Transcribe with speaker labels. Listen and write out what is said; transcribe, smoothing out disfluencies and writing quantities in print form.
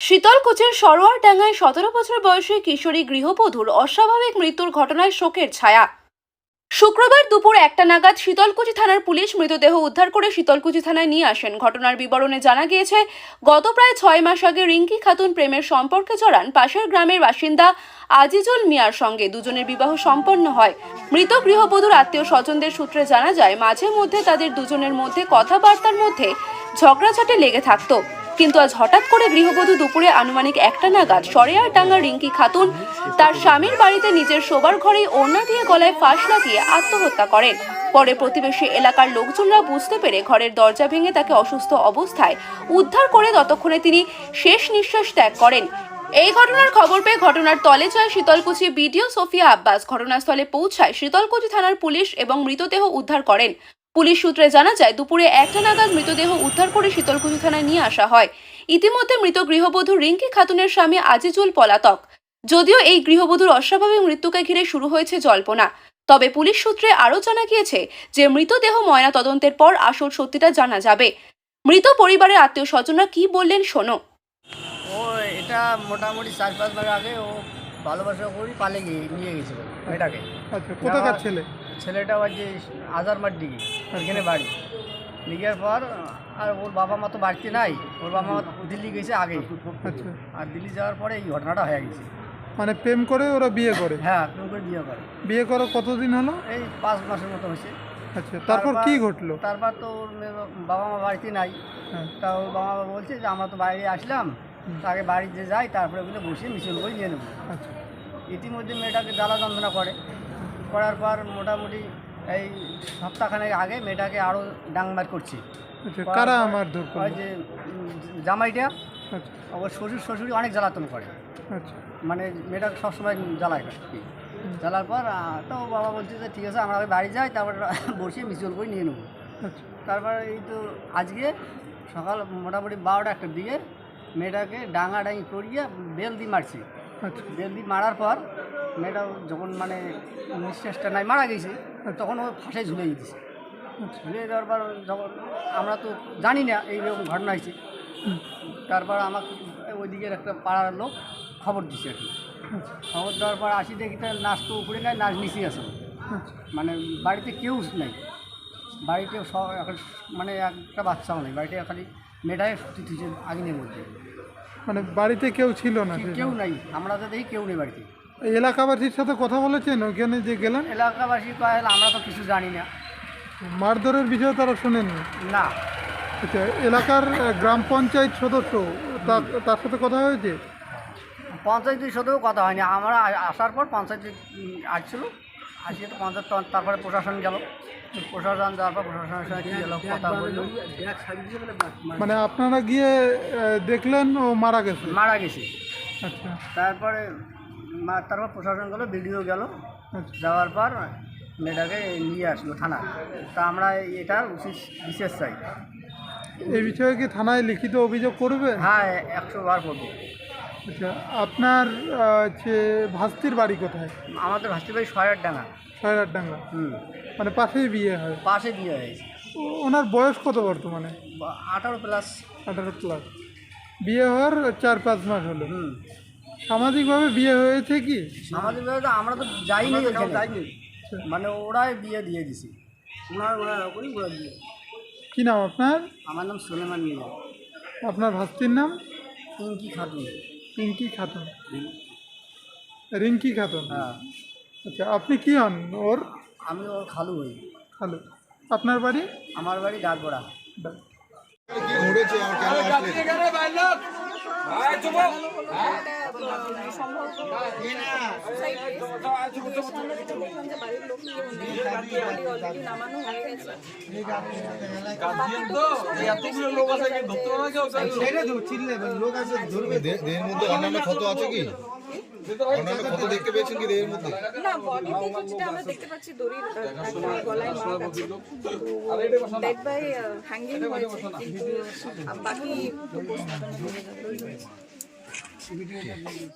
Speaker 1: শীতলকুচির সরোয়ারডাঙ্গায় 17 বছর বয়সী কিশোরী গৃহবধূর অস্বাভাবিক মৃত্যুর ঘটনায় শোকের ছায়া। শুক্রবার দুপুর 1টা নাগাদ শীতলকুচি থানার পুলিশ মৃতদেহ উদ্ধার করে শীতলকুচি থানায় নিয়ে আসেন। ঘটনার বিবরণে জানা গিয়েছে, গত প্রায় 6 মাস আগে রিঙ্কি খাতুন প্রেমের সম্পর্কে জড়ান পাশের গ্রামের বাসিন্দা আজিজুল মিয়ার সঙ্গে। দুজনের বিবাহ সম্পন্ন হয়। মৃত গৃহবধূর আত্মীয় স্বজনদের সূত্রে জানা যায়, মাঝে মধ্যে তাদের দুজনের মধ্যে কথাবার্তার মধ্যে ঝগড়াঝাটি লেগে থাকতো। কিন্তু আজ হঠাৎ করে গৃহবধূ দুপুরে আনুমানিক 1টা নাগাদ সরেয়ারডাঙ্গার রিঙ্কি খাতুন তার স্বামীর বাড়িতে নিজের শোবার ঘরেই ওড়না দিয়ে গলায় ফাঁস লাগিয়ে আত্মহত্যা করেন। পরে প্রতিবেশী এলাকার লোকজনরা বুঝতে পেরে ঘরের দরজা ভেঙে তাকে অসুস্থ অবস্থায় উদ্ধার করে ততক্ষণে তিনি শেষ নিঃশ্বাস ত্যাগ করেন। এই ঘটনার খবর পেয়ে ঘটনার তলে যায় শীতলকুচি বিডিও সোফিয়া আব্বাস। ঘটনাস্থলে পৌঁছায় শীতলকুচি থানার পুলিশ এবং মৃতদেহ উদ্ধার করেন। পুলিশ সূত্রে জানা যায়, দুপুরে 1টা নাগাদ মৃতদেহ উদ্ধার করে শীতলকুচি থানায় নিয়ে আসা হয়। ইতিমধ্যে মৃত গৃহবধূ রিঙ্কি খাতুনের স্বামী আজিজুল পলাতক। যদিও এই গৃহবধূর অস্বাভাবিক মৃত্যুকে ঘিরে শুরু হয়েছে জল্পনা, তবে পুলিশ সূত্রে আরও জানা গিয়েছে যে মৃতদেহ ময়না তদন্তের পর আসল সত্যিটা জানা যাবে। মৃত পরিবারের আত্মীয় স্বজনরা কি বললেন শোনো।
Speaker 2: ও এটা মোটামুটি 4-5 মাস আগে ও ভালোবাসা করি পালে গিয়ে নিয়ে গেছিল মেয়েটাকে।
Speaker 3: আচ্ছা, কোথাকার ছেলে?
Speaker 2: ছেলেটা ওই যে আজারমার দিকে এখানে বাড়ি। নিয়ে যাওয়ার পর আর ওর বাবা মা তো বাড়িতে নাই, ওর বাবা মা দিল্লি গেছে আগে।
Speaker 3: আচ্ছা,
Speaker 2: আর দিল্লি যাওয়ার পরে এই ঘটনাটা হয়ে গেছে।
Speaker 3: মানে প্রেম করে ওরা বিয়ে করে?
Speaker 2: হ্যাঁ, প্রেম করে বিয়ে করে।
Speaker 3: বিয়ে করা কতদিন হলো?
Speaker 2: এই 5 মাসের মতো হয়েছে।
Speaker 3: আচ্ছা, তারপর কি ঘটলো?
Speaker 2: তারপর তো ওর বাবা মা বাড়িতে নাই।
Speaker 3: হ্যাঁ।
Speaker 2: তা ওর বাবা মা বলছে যে আমরা তো বাইরে আসলাম, আগে বাড়িতে যাই, তারপরে ওগুলো বসে মিছিল করে নিয়ে নেবো।
Speaker 3: আচ্ছা,
Speaker 2: ইতিমধ্যে মেয়েটাকে জ্বালা যন্ত্রণা করার পর মোটামুটি এই সপ্তাহখানেক আগে মেয়েটাকে আরও ডাংমার করছে।
Speaker 3: আচ্ছা, কারা মারধর
Speaker 2: ওই
Speaker 3: করলো?
Speaker 2: যে জামাইটা
Speaker 3: আচ্ছা,
Speaker 2: ওর শ্বশুরি অনেক জ্বালাতন করে,
Speaker 3: আচ্ছা,
Speaker 2: মানে মেয়েটাকে সবসময় জ্বালায় আর কি। জ্বালার পর তো বাবা বলছে যে ঠিক আছে আমরা আগে বাড়ি যাই, তারপর বসে মিছিল করে নিয়ে নেবো।
Speaker 3: আচ্ছা,
Speaker 2: তারপর এই তো আজকে সকাল মোটামুটি 12টার দিকে মেয়েটাকে ডাঙাডাঙি করিয়ে বেল দিয়ে মারছি।
Speaker 3: আচ্ছা,
Speaker 2: বেল দিয়ে মারার পর মেয়েটা যখন মানে নিঃশ্বাসটা নাই মারা গেছে, তখন ও ফাঁসে ঝুলে গেছে।
Speaker 3: আচ্ছা,
Speaker 2: ঝুলে দেওয়ার পর যখন আমরা তো জানি না এইরকম ঘটনা হয়েছে, তারপর আমাকে ওইদিকের একটা পাড়ার লোক খবর দিচ্ছে আর কি।
Speaker 3: আচ্ছা,
Speaker 2: খবর দেওয়ার পর আসি দেখি তার নাচ তো উপরে নেয়, নাচ নিচেই আছে।
Speaker 3: আচ্ছা,
Speaker 2: মানে বাড়িতে কেউ নেই, বাড়িতে এখন মানে একটা বাচ্চাও নেই, বাড়িতে খালি মেয়েটাই সত্যি তুইছে আগুনের মধ্যে।
Speaker 3: মানে বাড়িতে কেউ ছিল না?
Speaker 2: কেউ নাই, আমরা তো দেখি কেউ নেই বাড়িতে।
Speaker 3: এই এলাকাবাসীর সাথে কথা বলেছেন ওখানে যে গেলেন?
Speaker 2: এলাকাবাসী কয় আমরা তো কিছু জানি না।
Speaker 3: মারধরের বিষয়ে তারা শোনেননি?
Speaker 2: না,
Speaker 3: আচ্ছা, এলাকার গ্রাম পঞ্চায়েত সদস্য তার সাথে কথা হয়েছে?
Speaker 2: পঞ্চায়েতের সাথেও কথা হয়নি। আমরা আসার পর পঞ্চায়েত আসছিল, আসিয়ে তো পঞ্চায়েত, তারপরে প্রশাসন গেল, প্রশাসন যাওয়ার পর প্রশাসনের সঙ্গে কী গেল কথা বলল।
Speaker 3: মানে আপনারা গিয়ে দেখলেন ও মারা গেছে?
Speaker 2: মারা গেছে।
Speaker 3: আচ্ছা,
Speaker 2: তারপরে তারপর প্রশাসন গেল, বিডিও গেল,
Speaker 3: আচ্ছা,
Speaker 2: যাওয়ার পর মেয়েটাকে নিয়ে আসলো থানা। তা আমরা এটার বিশেষ চাই।
Speaker 3: এই বিষয়ে কি থানায় লিখিত অভিযোগ করবে?
Speaker 2: হ্যাঁ, 100 বার করবো।
Speaker 3: আচ্ছা, আপনার হচ্ছে ভাস্তির বাড়ি কোথায়?
Speaker 2: আমাদের ভাস্তি ভাই সয়ারডাঙ্গা।
Speaker 3: সয়রারডাঙ্গা? মানে পাশেই বিয়ে হয়?
Speaker 2: পাশে বিয়ে হয়েছে।
Speaker 3: ওনার বয়স কত বর্তমানে?
Speaker 2: 18+।
Speaker 3: 18+। বিয়ে হওয়ার 4-5 মাস হলো।
Speaker 2: হুম।
Speaker 3: সামাজিকভাবে বিয়ে হয়েছে কি?
Speaker 2: সামাজিকভাবে তো আমরা তো যাইনি ওইখানে, মানে ওরাই বিয়ে দিয়ে দিছি। ওরা বিয়ে।
Speaker 3: কি নাম আপনার?
Speaker 2: আমার নাম সুলেমান মিয়া।
Speaker 3: আপনার ভাস্তির নাম?
Speaker 2: পিঙ্কি খাতুন।
Speaker 3: পিঙ্কি খাতুন? রিঙ্কি খাতুন?
Speaker 2: হ্যাঁ।
Speaker 3: আচ্ছা, আপনি কি হন ওর?
Speaker 2: আমি ওর খালু হই।
Speaker 3: হ্যালো, আপনার বাড়ি?
Speaker 2: আমার বাড়ি ডাকগড়া।
Speaker 4: দেহের মধ্যে অন্যান্য ক্ষত আছে কি? অন্যান্য ক্ষত দেখতে পেয়েছেন কি দেহের মধ্যে?
Speaker 5: না, বডিতে যেটা আমরা দেখতে পাচ্ছি দড়ির গলায় মার আছে, ডেড বাই হ্যাঙ্গিং হয়েছে, কিন্তু বাকি পোস্টমর্টম